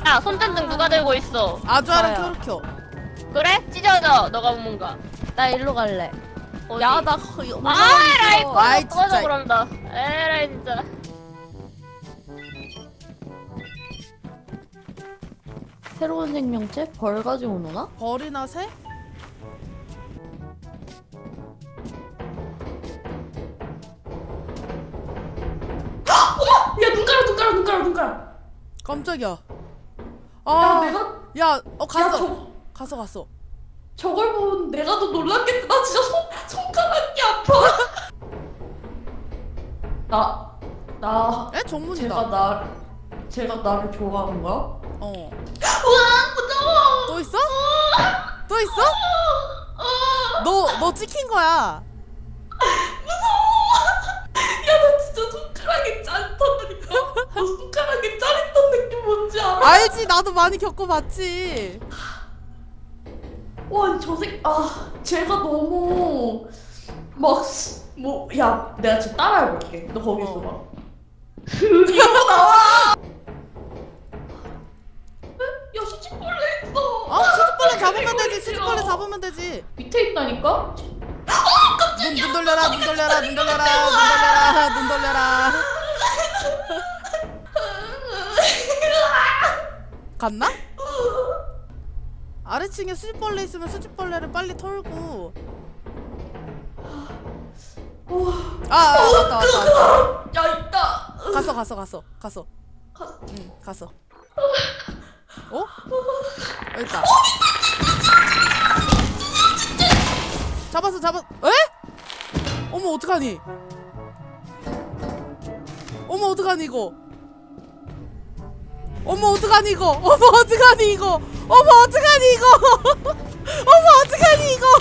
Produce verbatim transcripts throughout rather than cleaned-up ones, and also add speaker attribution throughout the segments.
Speaker 1: 야, 손전등 누가 들고 있어?
Speaker 2: 아주아랑
Speaker 3: 나야.
Speaker 2: 켜르켜.
Speaker 1: 그래? 찢어져. 너가 뭔가.
Speaker 3: 나 일로 갈래.
Speaker 1: 어디?
Speaker 3: 야, 나 거-
Speaker 1: 아, 에라이
Speaker 3: 올라가기 싫어.
Speaker 2: 아이,
Speaker 1: 꺼져, 꺼져
Speaker 2: 진짜.
Speaker 1: 그런다. 에라이 진짜.
Speaker 3: 새로운 생명체? 벌 가지고 노나?
Speaker 2: 벌이나 새?
Speaker 4: 야, 눈 깔아, 눈 깔아, 눈 깔아, 눈 깔아.
Speaker 2: 깜짝이야.
Speaker 4: 야,
Speaker 2: 아,
Speaker 4: 내가
Speaker 2: 야, 어
Speaker 4: 야,
Speaker 2: 갔어.
Speaker 4: 저
Speaker 2: 갔어, 갔어.
Speaker 4: 저걸 보면 내가 더 놀랐겠다. 나 진짜 손 손가락이 아파. 나, 나,
Speaker 2: 에
Speaker 4: 제가
Speaker 2: 정문이다.
Speaker 4: 나, 제가 나를 좋아하는 거야?
Speaker 2: 어.
Speaker 4: 우와, 무서워.
Speaker 2: 또 있어? 또 있어? 너, 너 찍힌 거야.
Speaker 4: 야, 나 진짜 손가락이 짜릿하다니까. 너 손가락이 짜릿한 느낌 뭔지 알아?
Speaker 2: 알지? 나도 많이 겪어봤지.
Speaker 4: 와, 저 새, 아, 제가 너무 막 뭐, 야, 내가 지금 따라해볼게. 너 거기 있어 봐. 이러고 나와. 야, 수직벌레 있어.
Speaker 2: 어? 수줍벌레 잡으면 되지. 수줍벌레 잡으면 되지.
Speaker 4: 밑에 있다니까?
Speaker 2: 눈, 눈 돌려라, 눈 돌려라, 눈 돌려라, 눈 돌려라, 눈 돌려라. 갔나? 아래층에 수집벌레 있으면 수집벌레를 빨리 털고. 아, 아 왔다, 왔다, 왔다.
Speaker 4: 야, 있다.
Speaker 2: 갔어, 갔어, 갔어, 갔어.
Speaker 4: 갔어.
Speaker 2: 응, 갔어. 어? 여기 있다. 잡았어, 잡았. 에? 어머, 어떡하니? 어머, 어떡하니 이거? 어머, 어떡하니 이거? 어머, 어떡하니 이거? 어머, 어떡하니 이거? 어머, 어떡하니 이거?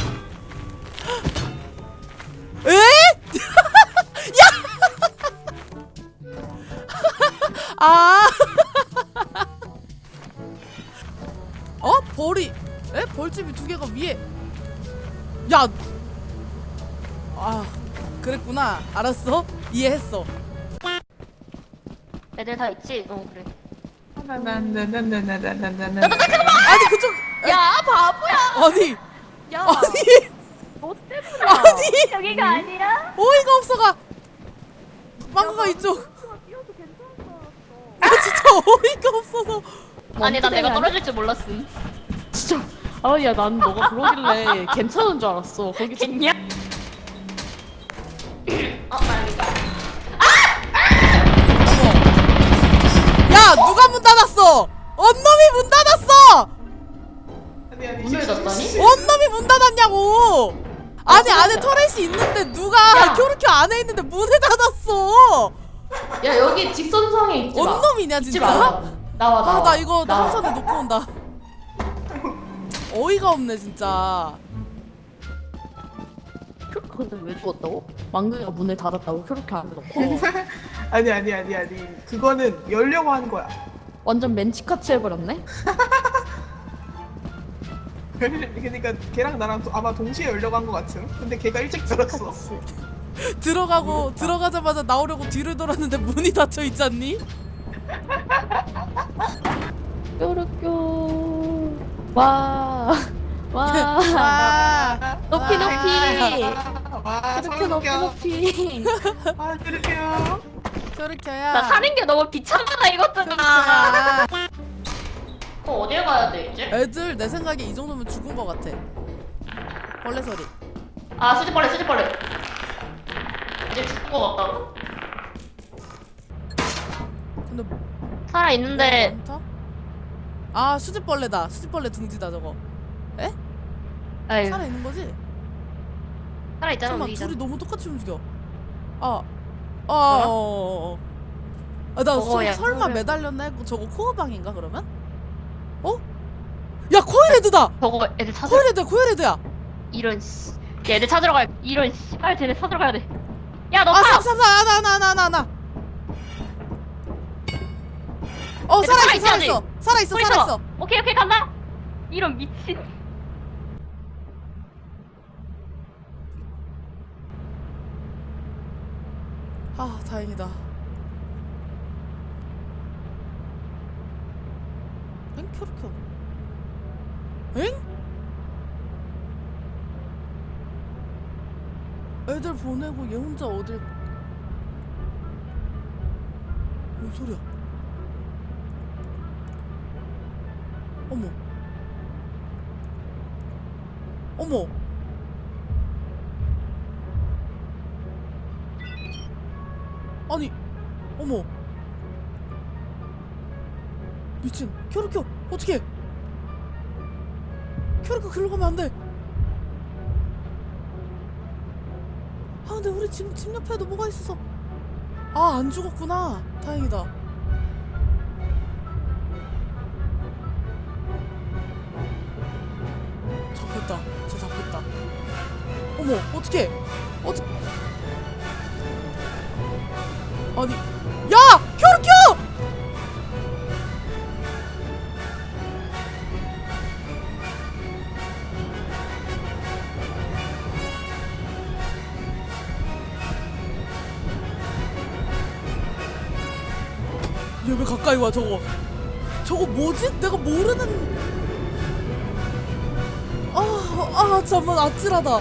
Speaker 2: 에? 야! 아. 어? 벌이. 에? 벌집이 두 개가 위에. 야. 아, 그랬구나. 알았어. 이해했어.
Speaker 1: 애들 다 있지? 어, 그래.
Speaker 5: 나나나나나나나나나.
Speaker 2: 아니 그쪽. 에,
Speaker 1: 야, 바보야.
Speaker 2: 아니.
Speaker 3: 야,
Speaker 2: 아니.
Speaker 3: 너 때문에.
Speaker 2: 아니.
Speaker 1: 여기가 아니라?
Speaker 2: 어이가 없어가. 망고가 이쪽. 아 진짜 어이가 없어서.
Speaker 1: 아니, 난 내가
Speaker 3: 아니야?
Speaker 1: 떨어질 줄 몰랐음.
Speaker 3: 진짜. 아야, 난 너가 그러길래 괜찮은 줄 알았어. 거기 좀.
Speaker 1: 겠냐? 어, 아니다.
Speaker 2: 야 누가 문 닫았어? 언놈이 문 닫았어.
Speaker 5: 아니, 아니,
Speaker 4: 문을 닫다니?
Speaker 2: 언놈이 문 닫았냐고. 아니 안에 터렛이 있는데 누가
Speaker 4: 야.
Speaker 2: 쿄르쿄 안에 있는데 문을 닫았어.
Speaker 4: 야, 여기 직선상에 있지 마.
Speaker 2: 언놈이냐
Speaker 4: 있지
Speaker 2: 진짜?
Speaker 4: 마. 나와, 나와.
Speaker 2: 아 나 이거
Speaker 4: 나와.
Speaker 2: 항선에 놓고 온다. 어이가 없네 진짜.
Speaker 3: 근데 왜 죽었다고? 망그가 문을 닫았다고? 그렇게 안 해놓고.
Speaker 5: 아니 아니 아니 아니. 그거는 열려고 한 거야.
Speaker 3: 완전 맨치카치 해버렸네?
Speaker 5: 그러니까 걔랑 나랑 도- 아마 동시에 열려고 한 거 같음. 근데 걔가 일찍 들었어.
Speaker 2: 들어가고 들어가자마자 나오려고 뒤를 돌았는데 문이 닫혀 있잖니?
Speaker 3: 뾰루뾰. 와. 와.
Speaker 2: 와.
Speaker 3: 높이 높이.
Speaker 5: 와,
Speaker 3: 이렇게 높이
Speaker 5: 서울겨.
Speaker 3: 높이.
Speaker 5: 아, 그럴게요.
Speaker 2: 쿄르쿄야.
Speaker 1: 나 사는 게 너무 비참하다, 이것들아.
Speaker 2: 쿄르쿄야.
Speaker 1: 어, 어딜 가야 돼, 이제?
Speaker 2: 애들 내 생각에 이 정도면 죽은 거 같아. 벌레 소리.
Speaker 1: 아, 수지벌레, 수지벌레. 이제 죽은 거 같다고?
Speaker 2: 근데
Speaker 1: 살아있는데,
Speaker 2: 많다? 아 수집벌레다. 수집벌레 둥지다 저거.
Speaker 1: 아유,
Speaker 2: 살아 있는 거지?
Speaker 1: 살아있잖아,
Speaker 2: 잠깐만
Speaker 1: 우리.
Speaker 2: 둘이 너무 똑같이 움직여. 아, 아, 어, 어, 어. 아, 나
Speaker 1: 저거
Speaker 2: 서,
Speaker 1: 야,
Speaker 2: 설마
Speaker 1: 그거를-
Speaker 2: 매달렸나 했고 저거 코어방인가 그러면? 어? 야 코일헤드다.
Speaker 1: 저거 애들 찾아.
Speaker 2: 코일헤드야, 코일헤드야.
Speaker 1: 이런 씨. 야, 애들 찾으러 가야 이런 씨. 빨리 쟤네 찾으러 가야 돼. 야, 너
Speaker 2: 아,
Speaker 1: 타!
Speaker 2: 삼, 삼, 삼, 나, 나, 나, 나, 나. 어,
Speaker 1: 얘들
Speaker 2: 살아있어,
Speaker 1: 살아있지,
Speaker 2: 살아있어, 살아있어,
Speaker 1: 보이죠?
Speaker 2: 살아있어.
Speaker 1: 오케이, 오케이, 간다! 이런 미친.
Speaker 2: 아, 다행이다. 엥? 켜르켜. 엥? 애들 보내고 얘 혼자 어딜? 뭔 소리야? 어머. 어머. 아니. 어머. 미친. 켜르켜. 어떡해. 켜르켜 글로 가면 안 돼. 아 근데 우리 지금 집 옆에도 뭐가 있어서. 아 안 죽었구나. 다행이다. 잡혔다. 쟤 잡혔다. 어머 어떡해. 어떡 아니 야! 켜르켜! 얘 왜 가까이 와 저거. 저거 뭐지? 내가 모르는. 아, 아 잠깐 아찔하다.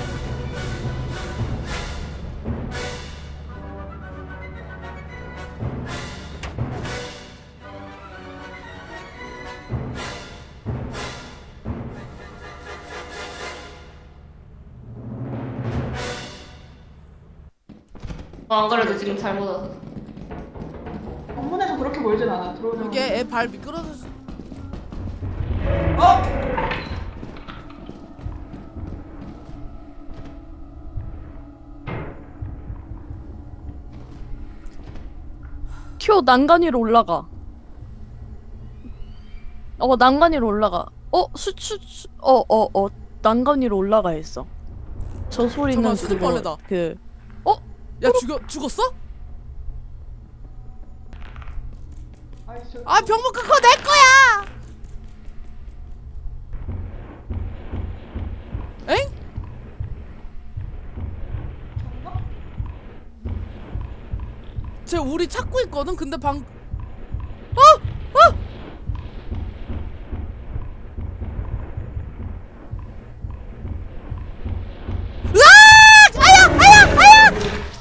Speaker 1: 어, 안 그래도 지금 잘못 왔어.
Speaker 5: 정문에서 그렇게 멀진 않아. 들어오자.
Speaker 2: 이게 애 발 미끄러져서.
Speaker 5: 어?
Speaker 3: 튀어 난간 위로 올라가. 어 난간 위로 올라가. 어 수수 어어 어 난간 위로 올라가 있어. 저 소리는
Speaker 2: 잠깐만, 수줍벌레다.
Speaker 3: 그
Speaker 2: 야 죽여 죽었어?
Speaker 5: 아이씨, 저-
Speaker 2: 아 병목 그거 내 거야. 엥? 쟤 우리 찾고 있거든. 근데 방 어! 어! 으악! 아야! 아야! 아야!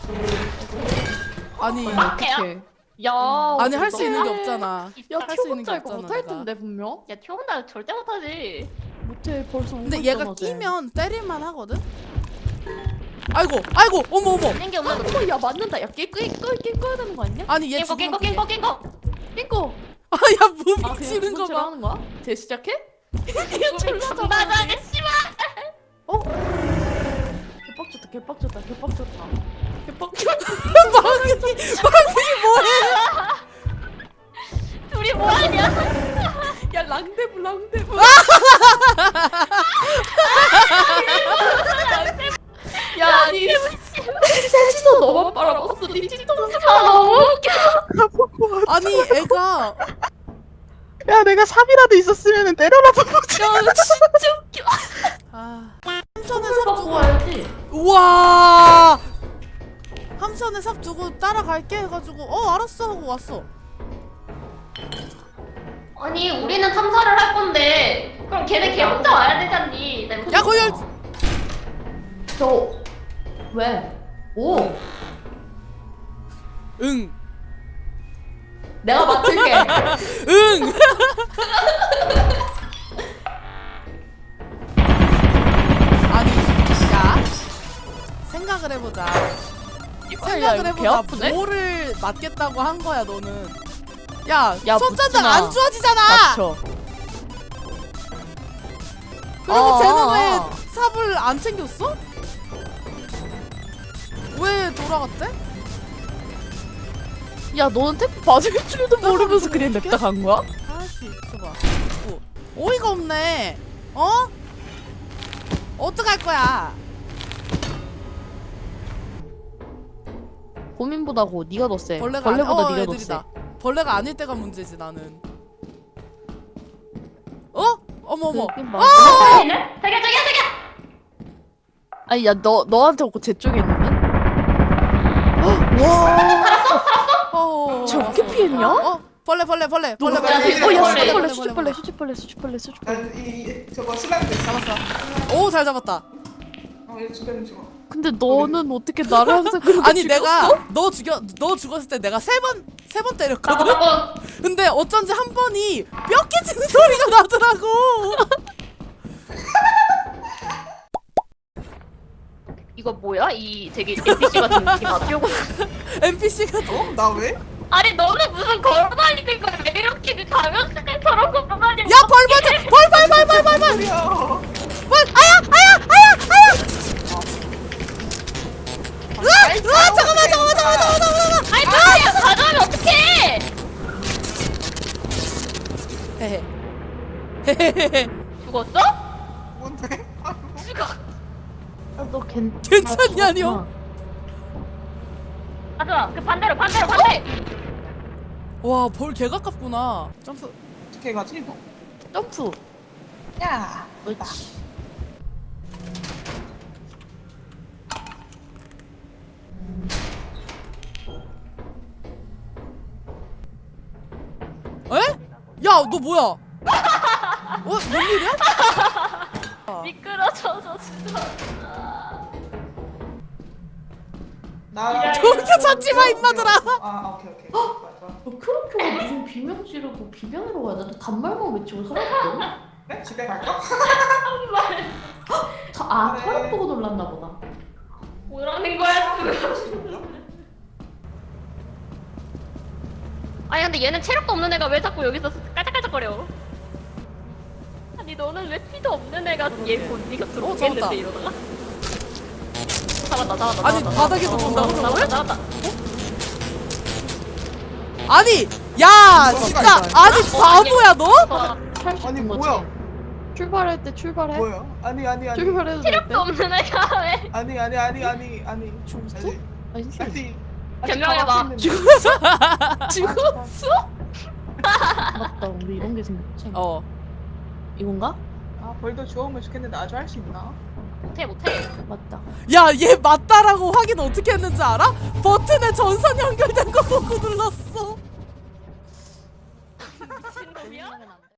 Speaker 2: 아니
Speaker 3: 어떡해.
Speaker 1: 야.
Speaker 2: 아니 할 수 있는 게 없잖아.
Speaker 3: 야
Speaker 2: 할
Speaker 3: 튀어
Speaker 2: 수 있는 게
Speaker 3: 혼자 이거
Speaker 2: 없잖아.
Speaker 3: 못할
Speaker 2: 내가.
Speaker 3: 텐데 분명.
Speaker 1: 야 튀어온다 절대 못하지.
Speaker 3: 못해 벌써.
Speaker 2: 근데
Speaker 3: 오고
Speaker 2: 얘가
Speaker 3: 있잖아, 쟤.
Speaker 2: 끼면 때릴만 하거든. 아이고 아이고 어머 어머.
Speaker 1: 있는 게 없는 거.
Speaker 3: 어머 야 맞는다. 야깨끄깨 꺼야 되는 거 아니야?
Speaker 2: 아니 얘
Speaker 1: 깽거
Speaker 2: 죽으면
Speaker 1: 깽거 깽거 깽거.
Speaker 3: 깨꺼.
Speaker 2: 아야
Speaker 3: 아
Speaker 2: 무빙
Speaker 3: 그냥
Speaker 2: 치는 거 봐.
Speaker 3: 하는 거야? 재시작해?
Speaker 1: 맞아 씨발.
Speaker 3: 어? 개빡쳤다 개빡쳤다 개빡쳤다 개빡쳤다.
Speaker 2: 망이 망이 뭐해?
Speaker 1: 둘이 뭐하냐?
Speaker 3: 야 랑데브 랑데브. 야 아니 셋이서 너만 빨아먹었어. 니 뒤통수.
Speaker 1: 아 너무 웃겨.
Speaker 2: 아니 애가
Speaker 5: 야, 내가 삽이라도 있었으면 때려라도 보지.
Speaker 1: 야 진짜 웃겨.
Speaker 2: 아 함선에 삽
Speaker 1: 갖고
Speaker 2: 두고
Speaker 1: 와야지.
Speaker 2: 우와 함선에 삽 두고 따라갈게 해가지고 어 알았어 하고 왔어.
Speaker 1: 아니 우리는 탐사를 할 건데 그럼 걔네 걔 혼자 와야 되잖니. 나
Speaker 2: 야 거기 열...
Speaker 1: 저 왜? 오.
Speaker 2: 응
Speaker 1: 내가 맡을게.
Speaker 2: 응. 아니 야 생각을 해보자. 생각을
Speaker 3: 배
Speaker 2: 해보자.
Speaker 3: 아프네?
Speaker 2: 뭐를 맞겠다고 한 거야 너는. 야,
Speaker 3: 야,
Speaker 2: 손전등
Speaker 3: 묻지마.
Speaker 2: 안 좋아지잖아.
Speaker 3: 맞춰.
Speaker 2: 그리고
Speaker 3: 아,
Speaker 2: 쟤는
Speaker 3: 아,
Speaker 2: 왜
Speaker 3: 아.
Speaker 2: 삽을 안 챙겼어? 왜 돌아갔대?
Speaker 3: 야 너는 태프 맞을 줄도 모르면서 그냥
Speaker 2: 이렇게?
Speaker 3: 냅다 간 거야?
Speaker 2: 아씨 있어봐. 있고. 어이가 없네. 어? 어떡할 거야?
Speaker 3: 고민보다 고 네가 더 세.
Speaker 2: 벌레가
Speaker 3: 벌레보다
Speaker 2: 아니, 어,
Speaker 3: 네가 더 세.
Speaker 2: 애들이다. 벌레가 아닐 때가 문제지 나는. 어? 어머 어머.
Speaker 3: 그긴 맞아.
Speaker 1: 자기야 자기야 자기야.
Speaker 3: 아니 야 너 너한테 없고 제 쪽에 있는데? 와.
Speaker 2: 어.
Speaker 3: 쟤 어떻게 피했냐?
Speaker 2: 어? 벌레 벌레 벌레 벌레
Speaker 3: 누가
Speaker 2: 벌레.
Speaker 1: 피했어? 어, 야,
Speaker 2: 벌레,
Speaker 1: 벌레,
Speaker 2: 벌레,
Speaker 3: 진짜
Speaker 2: 벌레,
Speaker 3: 수치벌레 수치벌레 수치벌레 수치벌레.
Speaker 5: 난이 이, 저거 슬라임 됐어.
Speaker 2: 잡았어. 오 잘 잡았다.
Speaker 5: 어, 얘 죽여 좀 죽어.
Speaker 3: 근데 너는 어떻게 나를 항상 그렇게
Speaker 2: 아니
Speaker 3: 죽였어?
Speaker 2: 내가 너 죽여 너 죽었을 때 내가 세 번 세 번 때렸거든.
Speaker 1: 어,
Speaker 2: 근데 어쩐지 한 번이 뼈 깨지는 소리가 나더라고.
Speaker 1: 이거 뭐야? 이 되게 엔피씨 같은 느낌 안 띄우고.
Speaker 2: 엔피씨가
Speaker 5: 어? 나 왜?
Speaker 1: 아니 너는 무슨 걸어다니는 거야? 왜 이렇게 그 가면스들처럼 걸어다니는
Speaker 2: 야 벌 맞아 벌벌벌벌벌벌
Speaker 5: 소리야.
Speaker 2: 벌 아야 아야 아야 아야 으아 으아 잠깐만 잠깐만 잠깐만 잠깐만
Speaker 1: 아니 뭐야 가져오면 어떡해?
Speaker 2: 헤헤 헤헤헤헤
Speaker 1: 죽었어?
Speaker 5: 뭔데?
Speaker 1: 죽어.
Speaker 3: 너 괜...
Speaker 2: 괜찮냐뇨?
Speaker 1: 가져와. 그 반대로 반대로 반대.
Speaker 2: 와벌 개가깝구나. 점프
Speaker 5: 어떻게 가지 이거?
Speaker 3: 점프.
Speaker 5: 야.
Speaker 3: 그렇지.
Speaker 2: 에? 야 너 뭐야? 어? 뭔 일이야?
Speaker 1: 미끄러져서 죽어.
Speaker 5: 나.
Speaker 2: 저렇게 찾지 마, 임마들아.
Speaker 5: 아 오케이 오케이. 좋아, 좋아.
Speaker 4: 어, 크로키가 무슨 비명 지르고 비명으로 가야 돼? 단말만 외치고 사라졌거든?
Speaker 5: 네? 집에 갈까?
Speaker 4: 저, 아,
Speaker 5: 그래.
Speaker 4: 털 보고 놀랐나 보다.
Speaker 1: 뭐라는 거야 지금? 아니 근데 얘는 체력도 없는 애가 왜 자꾸 여기서 깔짝깔짝거려? 아니 너는 왜 피도 없는 애가 얘곧 네가
Speaker 2: 어,
Speaker 1: 들어오겠는데
Speaker 2: 잡았다.
Speaker 1: 이러다가? 잡았다 잡았다
Speaker 2: 아니,
Speaker 1: 잡았다,
Speaker 2: 바닥에서
Speaker 1: 잡았다.
Speaker 2: 본다고,
Speaker 1: 잡았다
Speaker 2: 저걸?
Speaker 1: 잡았다.
Speaker 2: 아니 야 진짜 아니 바보야 너?
Speaker 1: 어,
Speaker 5: 아니 뭐야?
Speaker 3: 출발할 때 출발해.
Speaker 5: 뭐야? 아니 아니 아니.
Speaker 3: 출발해도 될 때.
Speaker 1: 체력도 없는 애가 왜?
Speaker 5: 아니 아니 아니 아니 아니.
Speaker 3: 죽었어?
Speaker 5: 아니.
Speaker 3: 아니
Speaker 5: 아니.
Speaker 1: 변명해봐.
Speaker 3: 죽었어?
Speaker 4: 아, 맞다, 우리 이런 게 생겼지.
Speaker 2: 어
Speaker 4: 이건가?
Speaker 5: 아 벌도 주워오면 좋겠는데 아주 할 수 있나?
Speaker 1: 못해 못해.
Speaker 4: 맞다.
Speaker 2: 야 얘 맞다라고 확인 어떻게 했는지 알아? 버튼에 전선 연결된 거 보고 눌렀어.
Speaker 1: 미친놈이야?